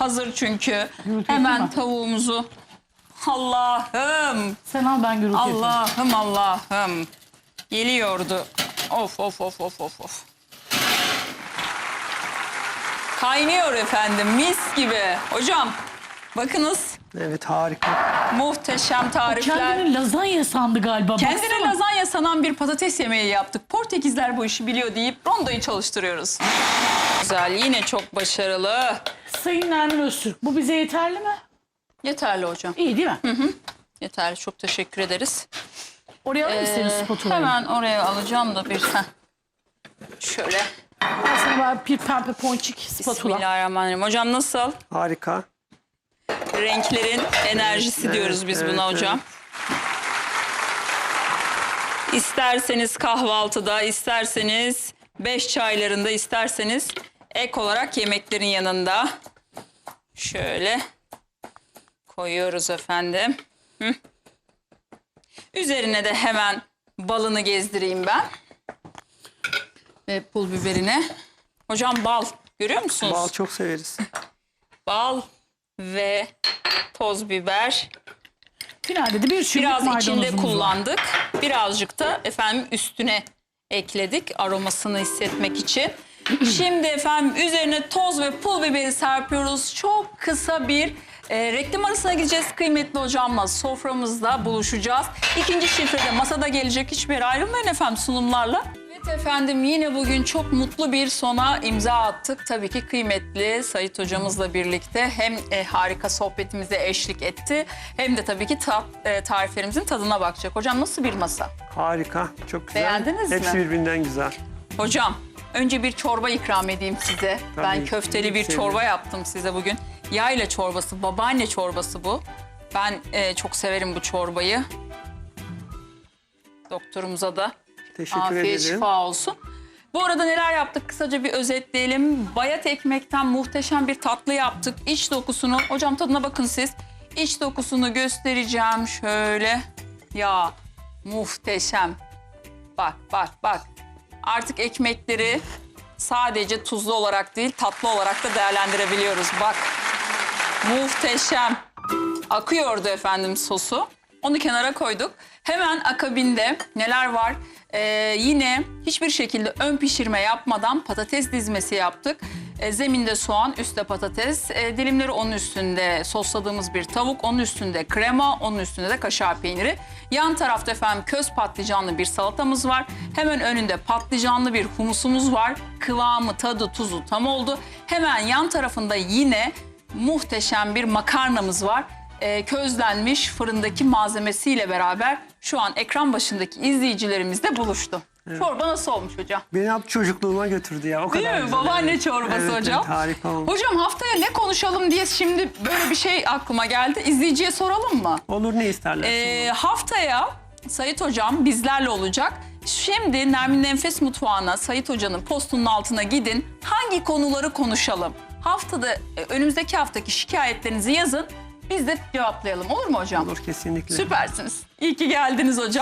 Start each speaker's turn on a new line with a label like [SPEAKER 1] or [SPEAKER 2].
[SPEAKER 1] hazır çünkü.
[SPEAKER 2] Gürültü
[SPEAKER 1] Hemen
[SPEAKER 2] yapma.
[SPEAKER 1] tavuğumuzu. Allah'ım.
[SPEAKER 2] Sen al, ben gürültü yapayım.
[SPEAKER 1] Allah'ım Allah'ım. Geliyordu. Of of of of of of. Kaynıyor efendim, mis gibi. Hocam bakınız,
[SPEAKER 3] Evet, harika.
[SPEAKER 1] muhteşem tarifler.
[SPEAKER 2] Kendini lazanya sandı galiba.
[SPEAKER 1] Kendine
[SPEAKER 2] baksana.
[SPEAKER 1] lazanya sanan bir patates yemeği yaptık. Portekizler bu işi biliyor deyip rondoyu çalıştırıyoruz. Güzel, yine çok başarılı.
[SPEAKER 2] Sayın Nermin Öztürk, bu bize yeterli mi?
[SPEAKER 1] Yeterli hocam.
[SPEAKER 2] İyi değil mi?
[SPEAKER 1] Yeterli, çok teşekkür ederiz.
[SPEAKER 2] Oraya alır mısınız spatulayı?
[SPEAKER 1] Hemen oraya alacağım da bir. Şöyle.
[SPEAKER 2] Ben sana bir pembe ponçik spatula.
[SPEAKER 1] Bismillahirrahmanirrahim. Hocam nasıl?
[SPEAKER 3] Harika.
[SPEAKER 1] Renklerin enerjisi
[SPEAKER 3] Evet,
[SPEAKER 1] diyoruz biz
[SPEAKER 3] evet,
[SPEAKER 1] buna hocam. İsterseniz kahvaltıda, isterseniz 5 çaylarında, isterseniz ek olarak yemeklerin yanında. Şöyle koyuyoruz efendim. Hı. Üzerine de hemen balını gezdireyim ben. Ve pul biberini. Hocam bal görüyor musunuz?
[SPEAKER 3] Bal çok severiz.
[SPEAKER 1] Bal ve toz biber.
[SPEAKER 2] Finalde de bir çubuk
[SPEAKER 1] Biraz içinde
[SPEAKER 2] maydanozumuz var.
[SPEAKER 1] kullandık. Birazcık da efendim üstüne ekledik aromasını hissetmek için. Şimdi efendim üzerine toz ve pul biberi serpiyoruz. Çok kısa bir reklam arasına gideceğiz. Kıymetli hocamla soframızda buluşacağız. İkinci şifrede masada gelecek, hiçbir yere ayrılmayın efendim sunumlarla. Evet efendim, yine bugün çok mutlu bir sona imza attık. Tabii ki kıymetli Sait hocamızla birlikte hem harika sohbetimize eşlik etti, hem de tabii ki tariflerimizin tadına bakacak. Hocam nasıl bir masa?
[SPEAKER 3] Harika. Çok güzel.
[SPEAKER 1] Beğendiniz mi?
[SPEAKER 3] Hepsi birbirinden güzel.
[SPEAKER 1] Hocam önce bir çorba ikram edeyim size.
[SPEAKER 3] Tabii,
[SPEAKER 1] Ben köfteli bir
[SPEAKER 3] sevinirim.
[SPEAKER 1] çorba yaptım size bugün. Yayla çorbası, babaanne çorbası bu. Ben çok severim bu çorbayı. Doktorumuza da
[SPEAKER 3] Teşekkür
[SPEAKER 1] afiyet
[SPEAKER 3] ederim.
[SPEAKER 1] şifa olsun. Bu arada neler yaptık kısaca bir özetleyelim. Bayat ekmekten muhteşem bir tatlı yaptık. İç dokusunu, hocam tadına bakın siz. İç dokusunu göstereceğim şöyle. Ya muhteşem. Bak bak bak. Artık ekmekleri sadece tuzlu olarak değil, tatlı olarak da değerlendirebiliyoruz. Bak muhteşem. Akıyordu efendim sosu. Onu kenara koyduk. Hemen akabinde neler var? Yine hiçbir şekilde ön pişirme yapmadan patates dizmesi yaptık. Zeminde soğan, üstte patates. Dilimleri onun üstünde sosladığımız bir tavuk. Onun üstünde krema, onun üstünde de kaşar peyniri. Yan tarafta efendim köz patlıcanlı bir salatamız var. Hemen önünde patlıcanlı bir humusumuz var. Kıvamı, tadı, tuzu tam oldu. Hemen yan tarafında yine muhteşem bir makarnamız var. Közlenmiş fırındaki malzemesiyle beraber şu an ekran başındaki izleyicilerimizle buluştu. Evet. Çorba nasıl olmuş hocam?
[SPEAKER 3] Beni hep çocukluğuma götürdü ya. O
[SPEAKER 1] Değil
[SPEAKER 3] kadar
[SPEAKER 1] mi?
[SPEAKER 3] güzel.
[SPEAKER 1] Babaanne
[SPEAKER 3] Evet.
[SPEAKER 1] çorbası
[SPEAKER 3] Evet,
[SPEAKER 1] hocam.
[SPEAKER 3] Evet, harika olmuş.
[SPEAKER 1] Hocam haftaya ne konuşalım diye şimdi böyle bir şey aklıma geldi. İzleyiciye soralım mı?
[SPEAKER 3] Olur, ne isterler?
[SPEAKER 1] Haftaya Sait hocam bizlerle olacak. Şimdi Nermin Enfes Mutfağı'na, Sait hocanın postunun altına gidin. Hangi konuları konuşalım? Haftada önümüzdeki haftaki şikayetlerinizi yazın. Biz de cevaplayalım. Olur mu hocam?
[SPEAKER 3] Olur, kesinlikle.
[SPEAKER 1] Süpersiniz. İyi ki geldiniz hocam.